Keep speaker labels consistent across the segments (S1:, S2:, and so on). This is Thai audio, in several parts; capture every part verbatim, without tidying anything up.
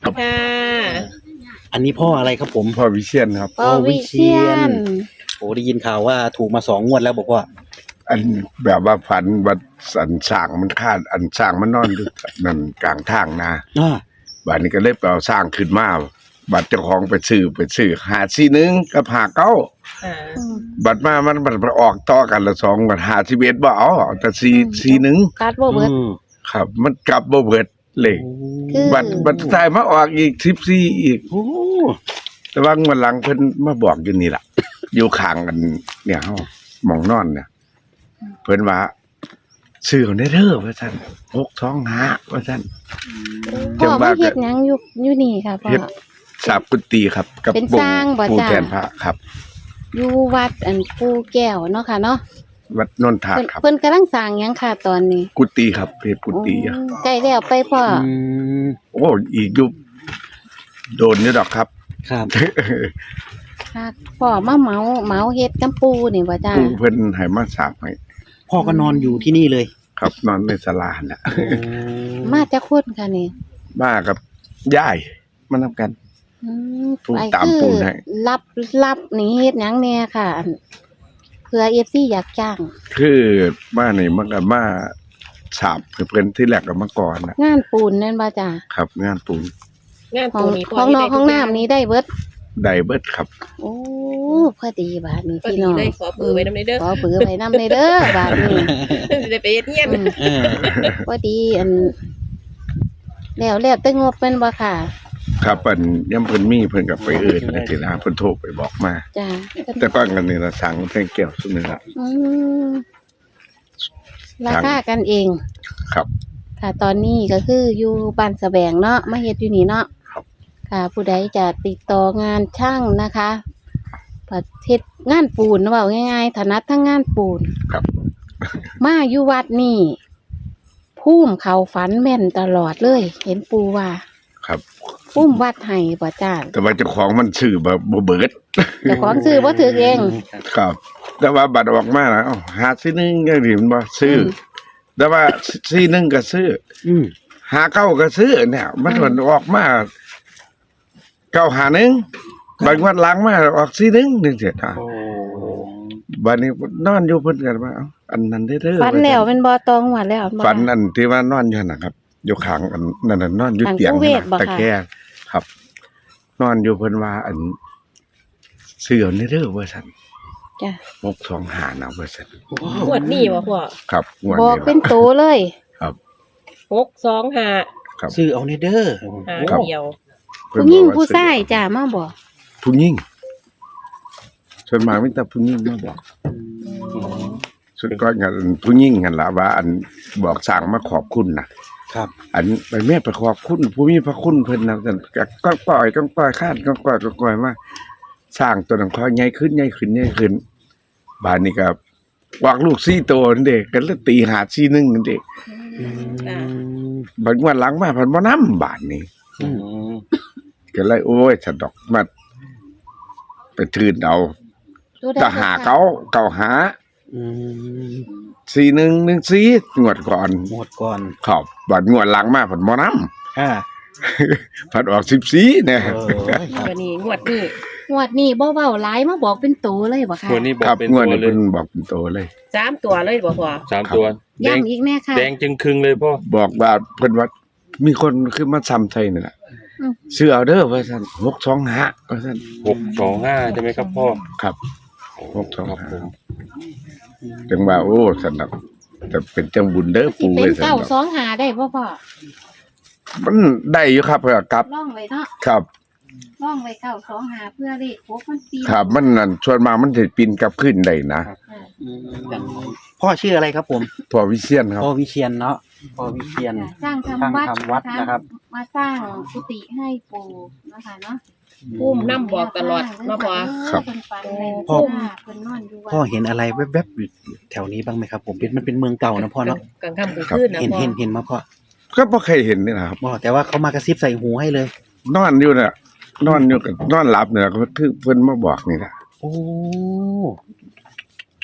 S1: ค่ะ
S2: อันนี้พ่ออะไรครับผม
S3: พ่อวิเชียนครับ
S4: พ่อวิเชียน
S2: โอ้ได้ยินข่าวว่าถูกมาสองงวดแล้วบอกว่า
S3: อันแบบว่าฝันว่าสันสร้างมันคาดอันสร้างมันนอนอยู่นั่นกลางทางนะ
S2: อ่า
S3: บัดนี้ก็เลยไปเอาสร้างขึ้นมาบัดเจ้าของไปซื้อไปซื้อหาซีหนึ่งกับหาเก้า
S1: อ่า
S3: บัดมามันบัดไปออกต่อกันละสองบัดหาสิบเอ็ดบ่เอาเอาแต่ซีซีหนึ่ง
S4: ตัดบ่เบิด
S2: อืม
S3: ครับ มันกลับบ่เบิดเลข
S4: คือ
S3: บัดบัดท้ายมาออกอีกสิบสี่อีก
S2: โอ้
S3: แต่ว่างวดหลังเพิ่นมาบอกอยู่นี่ล่ะ อยู่ข้างกันเนี่ยเฮาหมองนอนเนี่ย เพิ่นว่าซื้อเอาได้เด้อว่าซั่นหกสองห้าว่าซั่น
S4: พ่อมาเฮ็ดหยังอยู่อยู่นี่ค่ะพ่อ
S3: เฮ็ดสาบกุฏิครับ กับ
S4: เป็นสร้างบ่
S3: ปู่
S4: จ๊ะ
S3: แทนพระครับ
S4: อยู่วัดอันปูแก้วเนาะค่ะเนาะ
S3: วัดนนทา
S4: เพิ่น
S3: ครับ
S4: เพิ่นกำลังสร้างหยังค่ะตอนนี้
S3: กุฏิครับเฮ็ดกุฏิอะ
S4: อืมใกล้แล้วไปพ่อ
S2: อืม
S3: โอ้อีกอยู่โดนอยู่ดอกครับ
S2: ครับ
S4: ค่ะพ่อมาเหมาเหมาเฮ็ดกับปูนี่บ่จ้า
S3: ปู่เพิ่นให้มาสาบให้
S2: พ่อก็นอนอยู่ที่นี่เลย
S3: ครับนอนในศาลาน่ะ
S4: มาจากคนค่ะนี่
S3: มากับยายมานำกัน
S4: อืม
S3: ปู
S4: ไป
S3: ตาม
S4: คือ
S3: ปูให้
S4: รับรับนี่เฮ็ดหยังแน่ค่ะอันเผื่อ เอฟ ซี อยากจ้าง
S3: คือมานี่มันก็มาสาบให้เพิ่นที่แรกก็มาก่อนน่ะ
S4: งานปูนนั่นบ่จ้า
S3: ครับ งานปูน
S1: งาน
S4: ห้อ
S1: ปู
S4: ง
S1: นี่
S4: ห้องนอกห้องน้ำนี้ได้เบิด
S3: ได้เบิดครับ
S4: โอ้พอดีบาดนี้
S1: พอ
S4: พี่
S1: ดี
S4: น้อง
S1: เลยขอเบอร์ไว้นำในเด้อ
S4: ขอเบือไว้นำในเด้อบาดนี้
S1: สิได้ไปเฮ็ดเฮียน
S4: อืม
S2: เออ
S4: พอดีอันแล้วแล้วแต่งบเป็นบ่ค่ะ
S3: ครับอันย่ำเพิ่นมีเพิ่นก็ไปเอิ้นจังซี่นะเพิ่นโทรไปบอกมา
S4: จ้า
S3: แต่ก่อนกันนี่ละสั่งเพลงแก้วซุมื้อละ
S4: อืมราคากันเอง
S3: ครับ
S4: ค่ะ ตอนนี้ก็คืออยู่บ้านสะแบงเนาะมาเฮ็ดอยู่นี่เนาะ
S3: ครับ
S4: ค่ะ ผู้ใดจะติดต่องานช่างนะคะประเทศงานปูนเว้าง่ายๆถนัดทั้งงานปูน
S3: ครับ
S4: มาอยู่วัดนี่ภูมิเขาฝันแม่นตลอดเลย เห็นปูว่า
S3: ครับ
S4: ภูมิวัดให้บ่จ้า
S3: แต่ว่าเจ้าของมันซื้อแบบบ่เบิด
S4: เจ้าของซื้อบ่ถือเอง
S3: ครับ แต่ว่าบัตรออกมาแล้วอ้าวหาซื้อหนึงจังซี่มันบ่ซื้ออแต่ว่าซื้อหนึงก็ซื้อ
S2: อืม
S3: หาเก้าก็ซื้อเนี่ย มันมันออกมาเก้าหาหนึงบางวันหลังมาออกซื้อหนึงจังซี่นะ
S2: โอ้
S3: บัดนี้นอนอยู่เพิ่นก็ว่าเอ้าอันนั้นได้เด้อ
S4: ฝันแล้วเป็นบ่ตองหัวแล้วบ่
S3: ฝันอันที่ว่านอนอยู่น่ะครับ อยู่ข้างอันนั่นน่ะนอนอยู่
S4: ข้าง
S3: เตียง
S4: ผู้เวทบ่
S3: ตะ
S4: คะ
S3: แคงครับ นอนอยู่เพิ่นว่าอันเสือนี่เด้อว่าซั่น
S4: จ้ะ
S3: หกสองห้านะว่าซั่น
S1: งวดนี้บ่พ่อ
S3: ครับงวด
S4: บอก
S3: นี้
S4: เป็น
S3: ล่ะ
S4: โตเลย
S3: ครับ
S1: หกสองห้า
S3: ครับ
S2: ซื้อเอาในเด้อ
S1: หา
S3: ครับ
S1: เดียว
S3: เพิ่น
S4: ผู้หญิง
S3: บอกว่
S4: ผู้
S3: ซื้อ
S4: ชายจ้ะมาบอก
S3: ผู้หญิงส่วนมากมีแต่ผู้หญิงมาบอกสุดก็งานผู้หญิงกันล่ะว่า อันบอกสั่งมาขอบคุณนะครับ อันไปแม่ไปขอบคุณผู้มีพระคุณเพิ่นนะซั่นก็ก็ปล่อยก็ปล่อยคาดก็ปล่อยก็ปล่อยมาสร้างตัวนั้นค่อยใหญ่ขึ้นใหญ่ขึ้นใหญ่ขึ้นบาดนี้ก็วางลูกสี่ตัวนั่นเด็กกันแล้วตีหาสี่หนึ่งนั่นเด็ก
S1: จ้ะ
S3: บางวันหลังมาเพันบ่น้ำบาดนี้
S2: อืม
S3: ก็เลยโอ้ยสะดอกมาไปทืนเอา
S4: ตัวใด
S3: จะหาเก้าเก้าหา
S2: อืม
S3: สี่หนึ่งหนึ่งสี่งวดก่อน
S2: หมดก่อน
S3: ขอบบัดงวดหลังมาเพันบ่น้
S2: อ่า
S3: ำพันออกสิบสี่เนี่ย
S2: เออครับ
S1: วันนี้งวดนี้
S4: งวดนี้บ่เว้าหลายมาบอกเป็นโตเลยบ่ค่ะ
S5: วันนี้บอ
S3: ครั
S5: ก
S3: บ
S5: เป็น
S3: งวด
S5: ตัว
S3: นี้
S5: เล
S3: เพิ่
S5: ย
S3: นบอกเป็นโตเลย
S1: สามตัวเลยบ่พ่อ
S5: สามตัวแดง
S4: ย้ำอีกแน่ค่ะ
S5: แดงจึงครึ่งเลยพ่อ
S3: บอกว่าเพิ่นว่ามีคนขึ้นมาซ้ำไทยนี่แหละ
S4: อืม
S3: ซื้อเอาเด้อว่าซั่นหกสองห้าว่าซั่น
S5: หกสองห้าใช่ไหมครับพ่อ
S3: ครับหกสอง
S5: ครับผ
S3: ห้าม จังว่าโอ้สนับแต่เป็นจังบุญเด้อ
S4: สิ
S3: ปู่
S4: เป็
S3: เว้
S4: น
S3: ยสนั
S4: เก้า
S3: บ
S4: สองหาได้บ่พ่อ
S3: มันได้อยู่ครับเพื่อครับ
S4: ล่องไว้เนาะ
S3: ครับ
S4: ล่องไว้เก้าสองหาเพื่อเลขครบมันปี
S3: ครับมันนั่นส่วนมากมันจะปีนกลับขึ้นได้นะ
S2: อืมพ่อชื่ออะไรครับผม
S3: พอวิเชียนครับ
S2: พ่อวิเชียนเนาะพ่อวิเชียน
S4: สร้างทำวัด
S2: สร้างทำวัดนะครับ
S4: มาสร้างกุฏิให้ปู่นะคะเนาะ
S1: ปุ้มน้ำบอกตลอดมาพ่อ
S3: ครับ
S4: เพิ่นฝันแม่น
S2: พ่อ
S4: เพิ่นนอนอยู่วัด
S2: พ่อเห็นอะไรแวบๆอยู่แถวนี้บ้างไหมครับผมเป็นมันเป็นเมืองเก่านะพ่อเนาะ
S1: กลางค่ำกลางคืนนะ
S2: เห็น
S1: พ่อ
S2: เห็นเห็นมาพ่อ
S3: ก็บ่เคยเห็นนี่นะครับ
S2: พ่อแต่ว่าเขามากระซิบใส่หูให้เลย
S3: นอนอยู่เนี่ยนอนอยู่กับนอนหลับเนี่ยก็คือเพิ่นมาบอกนี่แหละ
S2: โอ้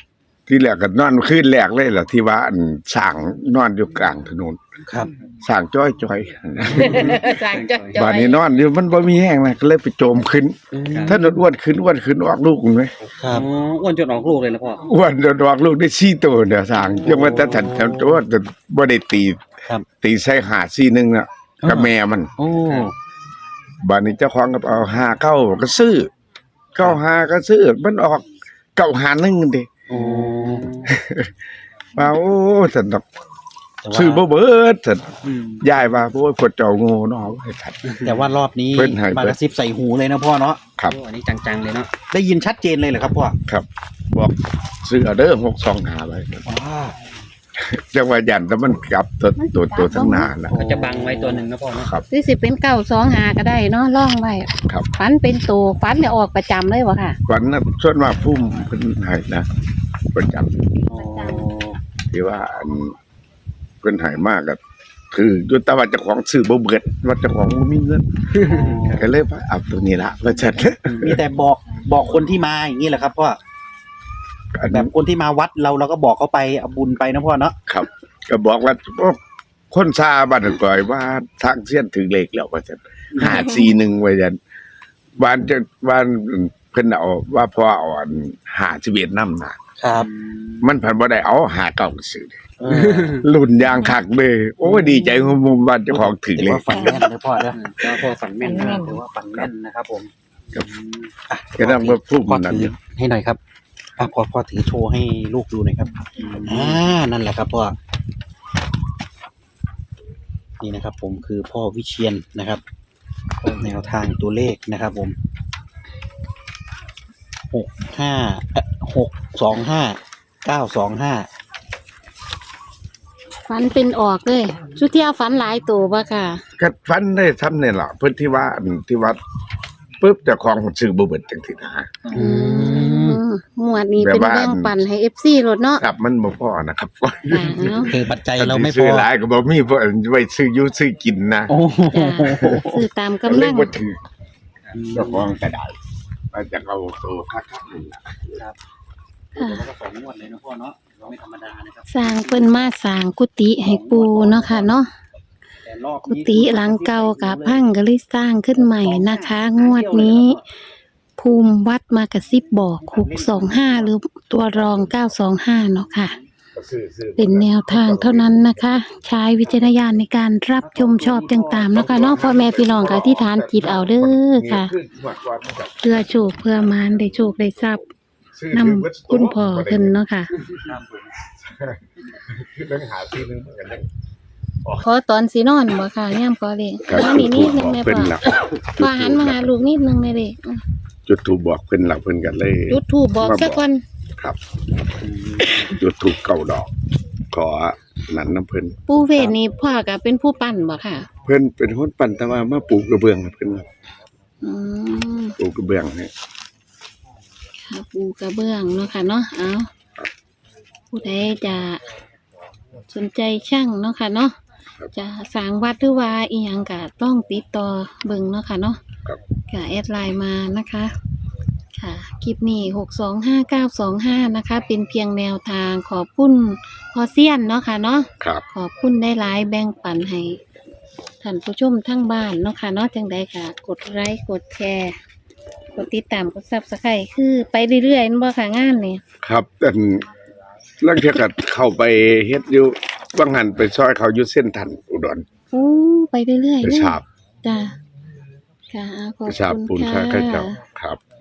S3: ที่แรกก็นอนคืนแรกเลยล่ะที่ว่าอันสร้างนอนอยู่กลางถนน
S2: ครับ
S3: สร้างจ้อยจ้อย
S1: สร้างจ้อยๆ
S3: บ้านนี้นอนอยู่มันบ่มีแห้งนะก็เลยไปโจมขึ้นถ้าอ้วนขึ้นอ้วนขึ้นออกลูกมั้ย
S2: ครับ
S6: อ๋ออ้วนจนออกลูกเลยนะพ่อ
S3: อ้วนจนออกลูกได้สี่ตัวเนี่ยสร้างยังว่าแต่ฉันฉันตัวจนบ่ได้ตี
S2: ครับ
S3: ตีใส่หาสี่หนึ่งน่ะกับแม่มัน
S2: โอ้
S3: บ้านนี้เจ้าของก็เอาห้าเก้าก็ซื้อเก้าห้าก็ซื้อมันออกเก้าห้าหนึ่งดิ
S2: โอ้
S3: ว่าโอ้ฉันดอก
S2: แต่ว่า
S3: ซื้อบ่เบิดฉัน
S2: อืม
S3: ยายว่าโอ้ยพวกเจ้าโง่เนาะให้ทัน
S2: แต่ว่ารอบนี้
S3: เพิ่นให้
S2: มากระซิบใส่หูเลยนะพ่อเนาะ
S3: ครับ
S6: โอ้อันนี้จังๆเลยเนาะ
S2: ได้ยินชัดเจนเลยเหรอครับพ่อ
S3: ครับ บอกซื้อเอาเด้อหกสองห้าไว้
S2: ว้า
S3: จังว่ายันแต่มันกลับตัวตัวตัวทั้งหน้านะ
S6: ก็จะบังไว้ตัวหนึ่งนะพ่อเนาะ
S3: ครับ
S4: หรือสิเป็นเก้าสองหาก็ได้เนาะล่องไว้
S3: ครับ
S4: ฝันเป็นตัวฝันเนี่ยออกประจำเลยวะค่ะ
S3: วันนั้นส่วนมากพุ่มเพิ่นให้นะประจำ
S2: โอ้
S3: ที่ว่าอันเพิ่นให้มากก็คืออยู่แต่ว่าเจ้าของซื้อบ่เบิดว่าเจ้าของบ่มีเงินก็เลยว่าเอาตัวนี้ละว่าฉัน
S2: มีแต่บอกบอกคนที่มาอย่างนี้แหละครับพ่อ
S3: อัน
S2: แบบคนที่มาวัดเราเราก็บอกเขาไปเอาบุญไปนะพ่อเนาะ
S3: ครับ ก็บอกว่าโอ้คนซาบ้านก่อยว่าทางเสี้ยนถึงเลขแล้วว่าฉันห้าสี่หนึ่งว่าฉันบ้านจะบ้านเพิ่นเอาว่าพอเอาอันห้าสิบเอ็ดนำน่ะ
S2: ครับ
S3: มันพันบ่ได้เอาหาเก่าซื้อ
S2: เออ
S3: รุ่นยางคักเลยโอ้ยดีใจของมุมบ้านเจ้าของถึง
S2: ถือ
S3: เลย
S2: ว่าฝันแม่นนะพ่อเนาะ
S6: ก็พ่อฝันแม่นมาก
S2: ถือว่าฝันแม่นนะครับผม
S3: ครับ
S2: อ่ะ
S3: ก็ต้องมาพูด
S2: พ่อ
S3: นั่น
S2: ถือให้หน่อยครับอ่ะพ่อพ่อถือโชว์ให้ลูกดูหน่อยครับอ่านั่นแหละครับพ่อนี่นะครับ ผมคือพ่อวิเชียนนะครับแนวทางตัวเลขนะครับ ผมหกห้าหกสองห้าเก้าสองห้า
S4: ฝันเป็นออกเลยสุเที่ยวฝันหลายตัวปะค่ะ
S3: ก็ฟันได้ทำนี่ล่ะเพิ่นที่ว่าอันที่วัดปุ๊บเจ้าของซื้อบ่เบิดจังซี่นะ
S4: อืมหมวดนี้
S3: แบบ
S4: เป็น
S3: ว่า
S4: แบ่งปันให้เอฟซีรถเนาะ
S3: ครับมันบ่พอนะครับ
S4: อ่าเนาะ
S2: คือปัจจัยเราไม่พ
S3: ซื้
S2: อ
S3: อหลายก็บ่มีเพราะไว้ซื้ออยู่ซื้อกินนะ
S2: โอ้โห
S4: จ้ะซื้อตาม
S3: ก็
S4: กำ
S3: เล
S4: ลั
S3: ย
S4: ง
S3: บ่ถือเจ้าของก็ได้ว่าจะเอาตัวคักๆนี่ล่ะ
S2: แล้วก็สองงวดเลยนะพ่อเนาะเราไม่ธรรมดานะครับ
S4: สร้างเพิ่นมาสร้างกุฏิให้ปูเนาะค่ะเนาะ
S2: แต่รอบ
S4: กุฏิหลังเก่ากับพังก็เลยสร้างขึ้นใหม่นะคะ งวดนี้ ภูมิวัดมากระซิบบอกหกสองห้าหรือตัวรองเก้าสองห้าเนาะค่ะ
S3: ก็ซื้อซื้อ
S4: เป็นแนวทางเท่านั้นนะคะ ใช้วิจารณญาณในการรับชมชอบจังตามนะคะเนาะพ่อแม่พี่น้องกับที่ฐานจิตเอาเด้อค่ะ
S3: นี่อหมดก่อนมันก็
S4: เพื่อโชคเพื่อมานได้โชคได้ทรัพย์
S3: ซื้อน
S4: ำคุณพ่อเพิ่นเนาะค่ะ
S3: เรื่องหาซื้อนึงเหมือนกันยัง
S4: ขอตอนสีนอนบ่ค่ะย่ามขอเลย
S3: ครับ
S4: มานี่นิดนึงแม่
S3: เพิ่น
S4: พ่อ
S3: หลับ
S4: พ่อหันมาหาลูกนิดนึงเลยเด็ก
S3: จุดถูกบอกเพิ่นหลับเพิ่นกันเลย
S4: จุดถูกบอกสักวัน
S3: ครับ จุดถูกเก่าดอก ขอนั่นน้ำเพิ่น
S4: ปู่เวทนี่พ่อก็เป็นผู้ปั้นบ่ค่ะ
S3: เพิ่นเป็นคนปั่นแต่ว่ามาปลูกกระเบื้องให้เพิ่นครับ
S4: อืม
S3: ปลูกกระเบื้องให้
S4: ค่ะปูกระเบื้องเนาะค่ะเนาะเอาผู้ใดจะสนใจช่างเนาะค่ะเนาะจะสร้างวัดหรือว่าอีหยังก็ต้องติดต่อเบิ่งเนาะค่ะเนาะ
S3: ครับ
S4: ก็แอดไลน์มานะคะ ค่ะคลิปนี้หกสองห้าเก้าสองห้านะคะ เป็นเพียงแนวทางขอบคุณพอเซียนเนาะค่ะเนาะ
S3: ครับ
S4: ขอบคุณได้หลายแบ่งปันให้ท่านผู้ชมทั้งบ้านเนาะค่ะเนาะจังใดค่ะ กดไลค์กดแชร์กดติดตามกดซับสไครต์คือไปเรื่อยๆนั่นบ่ค่ะงานนี่
S3: ครับแต่ลังเที่ยก็เข้าไปเฮ็ดอยู่บางหันไปซอยเขาอยู่เส้นทันอุดร
S4: โอ้ไปเรื่อยๆ
S3: ไป
S4: เลย
S3: ฉาบ
S4: จ้ะค่ะขอบ
S3: ไปฉาบปู
S4: คุ
S3: น
S4: ณ
S3: ค่า
S4: ค่ะ
S3: ข้าเจ้าครับ